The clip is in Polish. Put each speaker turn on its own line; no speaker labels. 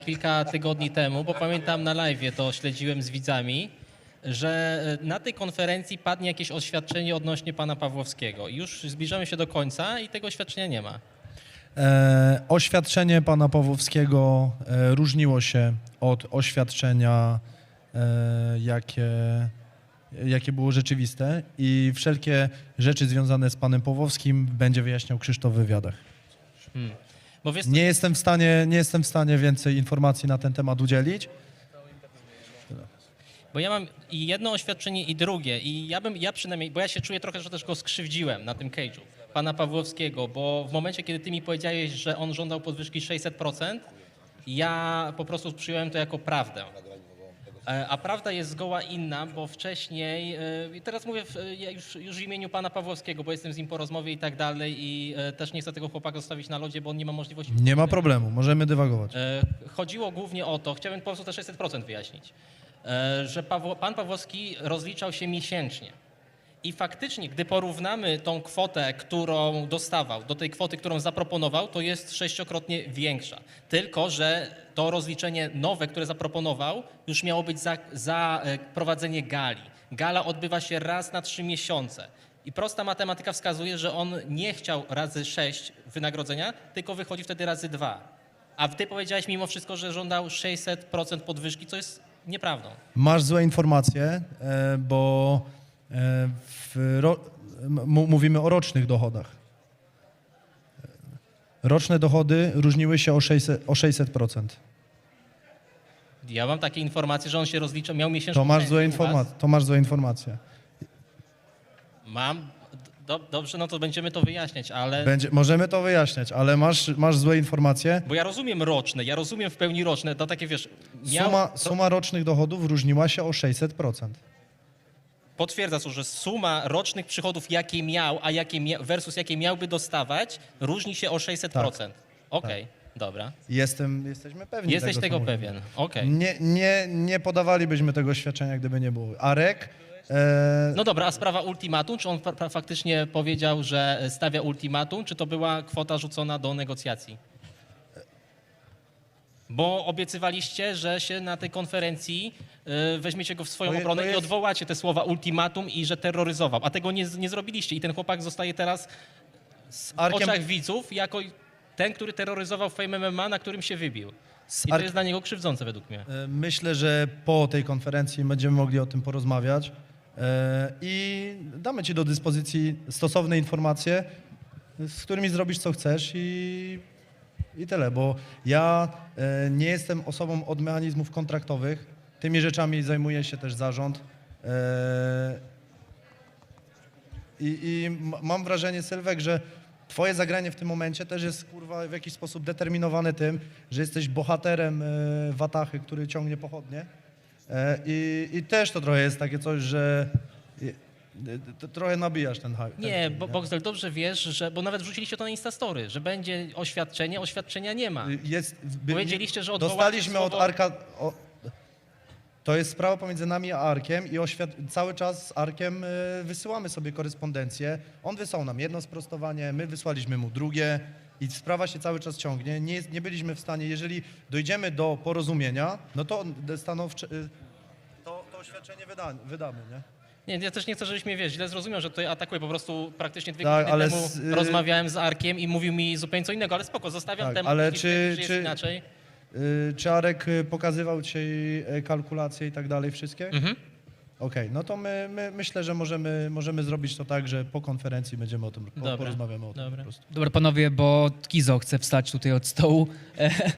kilka tygodni temu, bo pamiętam na live'ie to śledziłem z widzami, że na tej konferencji padnie jakieś oświadczenie odnośnie pana Pawłowskiego. Już zbliżamy się do końca i tego oświadczenia nie ma.
Oświadczenie pana Pawłowskiego różniło się od oświadczenia, jakie było rzeczywiste, i wszelkie rzeczy związane z panem Pawłowskim będzie wyjaśniał Krzysztof w wywiadach.
Bo wiesz,
Nie jestem w stanie więcej informacji na ten temat udzielić.
bo ja mam i jedno oświadczenie i drugie i ja przynajmniej, bo ja się czuję trochę, że też go skrzywdziłem na tym cage'u, pana Pawłowskiego, bo w momencie, kiedy ty mi powiedziałeś, że on żądał podwyżki 600%, ja po prostu przyjąłem to jako prawdę. A prawda jest zgoła inna, bo wcześniej, i teraz mówię już w imieniu pana Pawłowskiego, bo jestem z nim po rozmowie i tak dalej i też nie chcę tego chłopaka zostawić na lodzie, bo on nie ma możliwości.
Nie ma problemu, możemy dywagować.
Chodziło głównie o to, chciałem po prostu te 600% wyjaśnić, że pan Pawłowski rozliczał się miesięcznie. I faktycznie, gdy porównamy tą kwotę, którą dostawał, do tej kwoty, którą zaproponował, to jest 6-krotnie większa. Tylko że to rozliczenie nowe, które zaproponował, już miało być za prowadzenie gali. Gala odbywa się raz na 3 miesiące. I prosta matematyka wskazuje, że on nie chciał razy 6 wynagrodzenia, tylko wychodzi wtedy razy 2. A ty powiedziałeś mimo wszystko, że żądał 600% podwyżki, co jest nieprawdą.
Masz złe informacje, bo mówimy o rocznych dochodach. Roczne dochody różniły się o 600%.
Ja mam takie informacje, że on się rozliczał, miał miesięczną
To masz
pensję
złe
u was.
informacje. To masz złe informacje.
Mam. Dobrze, no to będziemy to wyjaśniać, ale...
Możemy to wyjaśniać, ale masz złe informacje.
Bo ja rozumiem roczne, ja rozumiem w pełni roczne, to takie wiesz...
Suma rocznych dochodów różniła się o 600%.
Potwierdzasz, że suma rocznych przychodów, jakie miał, a versus jakie miałby dostawać, różni się o 600%.
Tak.
Okej, dobra.
Jesteśmy pewni
Jesteś
tego,
tego
co mówimy.
pewien, okej.
Nie podawalibyśmy tego świadczenia, gdyby nie było. Arek...
No dobra, a sprawa ultimatum, czy on faktycznie powiedział, że stawia ultimatum, czy to była kwota rzucona do negocjacji? Bo obiecywaliście, że się na tej konferencji weźmiecie go w swoją obronę i odwołacie te słowa ultimatum i że terroryzował, a tego nie zrobiliście i ten chłopak zostaje teraz w oczach widzów jako ten, który terroryzował Fame MMA, na którym się wybił. I to jest dla niego krzywdzące według mnie.
Myślę, że po tej konferencji będziemy mogli o tym porozmawiać i damy ci do dyspozycji stosowne informacje, z którymi zrobisz co chcesz i tyle, bo ja nie jestem osobą od mechanizmów kontraktowych. Tymi rzeczami zajmuje się też zarząd. Mam wrażenie, Sylwek, że twoje zagranie w tym momencie też jest, kurwa, w jakiś sposób determinowane tym, że jesteś bohaterem Watachy, który ciągnie pochodnie. I też to trochę jest takie coś, że trochę nabijasz ten hype.
Nie, Boxdel, dobrze wiesz, że, bo nawet wrzuciliście to na Instastory, że będzie oświadczenie, oświadczenia nie ma. Powiedzieliście, że odwołacie
dostaliśmy
słowo...
od Arka... To jest sprawa pomiędzy nami a Arkiem i cały czas z Arkiem wysyłamy sobie korespondencję. On wysłał nam jedno sprostowanie, my wysłaliśmy mu drugie i sprawa się cały czas ciągnie. Nie byliśmy w stanie, jeżeli dojdziemy do porozumienia, no to to oświadczenie wydamy, nie?
Nie, ja też nie chcę, żebyś mnie, wiesz, źle zrozumiał, że tutaj atakuję. Po prostu praktycznie 2
Tak,
godziny
ale
temu rozmawiałem z Arkiem i mówił mi zupełnie co innego, ale spoko, zostawiam
Tak,
temat,
ale
jeśli twierdzisz, że jest inaczej.
Czy Arek pokazywał ci kalkulacje i tak dalej, wszystkie?
Mhm.
Okej, no to my myślę, że możemy zrobić to tak, że po konferencji będziemy o tym,
Dobra,
porozmawiamy o tym
dobra.
po prostu.
Dobra, panowie, bo Kizo chce wstać tutaj od stołu.